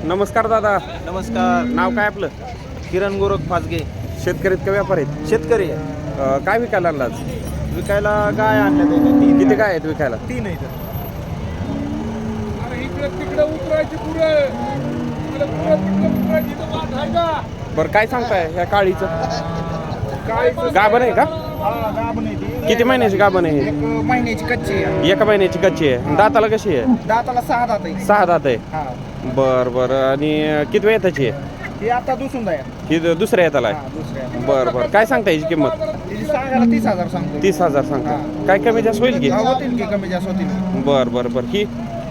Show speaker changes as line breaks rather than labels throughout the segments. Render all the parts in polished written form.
नमस्कार दादा.
नमस्कार.
नाव काय आपलं?
किरण गोरख फासगे.
शेतकरी का व्यापारी आहेत?
शेतकरी आहे.
काय विकायला आणला आज?
विकायला गाय आणल्या त्याने तीन.
किती काय आहेत विकायला?
तीन आहे
बरं काय सांगताय ह्या काळीचं? गाभण आहे का?
गाभण आहे ती.
किती महिन्याची गाभण आहे?
एक महिन्याची कच्ची आहे.
एका महिन्याची कच्ची आहे. दाताला कशी आहे?
दाताला 6 दात आहे.
6 दात आहे.
हा.
बरं आणि किती वेळ त्याची आहे?
ती आता दुसून आहे.
ही दुसऱ्या येताला आहे.
दुसऱ्या.
बरं काय सांगता याची किंमत?
तिची सांगायला 30,000 सांगतो.
30,000 सांगता. काय कमी जास्त होईल की?
होतील की कमी जास्त होतील.
बरं ही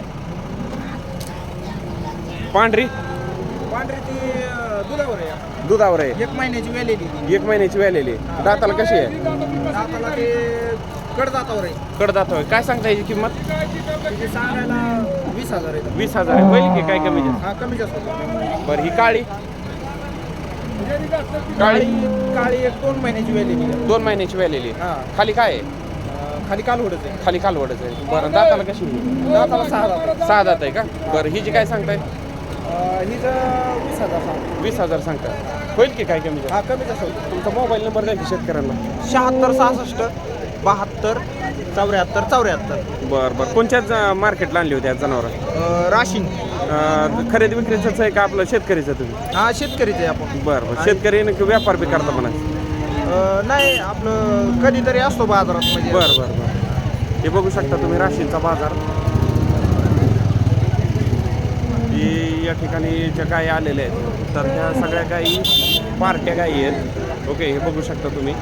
पांढरी
पांढरी ती दुधावर आहे.
दुधावर आहे.
1 महिन्याची वेलेली ती.
1 महिन्याची वेलेली. दाताला कशी आहे?
दाताला ते कडदातावर आहे.
कडदात होय. काय सांगता याची किंमत?
तिची सांगायला 20,000 आहे.
20,000 आहे. होईल की काय कमी जास्त?
हा कमी जास्त होतील.
बरं ही काळी
काळी काळी 1-2 महिन्याची वेलेली आहे.
2 महिन्याची वेलेली.
हा.
खाली काय आहे?
खाली कालवडच आहे.
खाली कालवडच आहे. बरं दाताला कशी आहे?
दाताला 6 दात आहे.
6 दात आहे का? बरं हिची काय सांगताय?
हिचं 20,000 सांग.
20,000 सांगताय. होईल की काय कमी जास्त?
हा कमी जास्त होईल.
तुमचा मोबाईल नंबर द्या की शेतकऱ्यांना.
76 66 72 74 74.
बरं कोणत्याच मार्केटला आणली होती आज जनावरं?
राशीन.
खरेदी विक्रीचंच आहे का आपलं शेतकरीचं तुम्ही?
हा शेतकरीच आहे आपण.
बरं शेतकरी व्यापार बी करता म्हणा.
नाही आपलं कधीतरी असतो बाजारात म्हणजे.
बरं हे बघू शकता तुम्ही राशींचा बाजार. ही या ठिकाणी ज्या गायी आलेल्या आहेत तर ह्या सगळ्या गायी पार्ट्या गायी आहेत. ओके हे बघू शकता तुम्ही.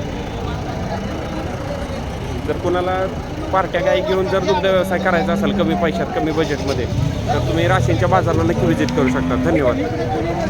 जर कोणाला पार्ट्या गायी घेऊन जर दुग्ध व्यवसाय करायचा असेल कमी पैशात कमी बजेटमध्ये तर तुम्ही राशींच्या बाजाराला नक्की व्हिजिट करू शकता. धन्यवाद.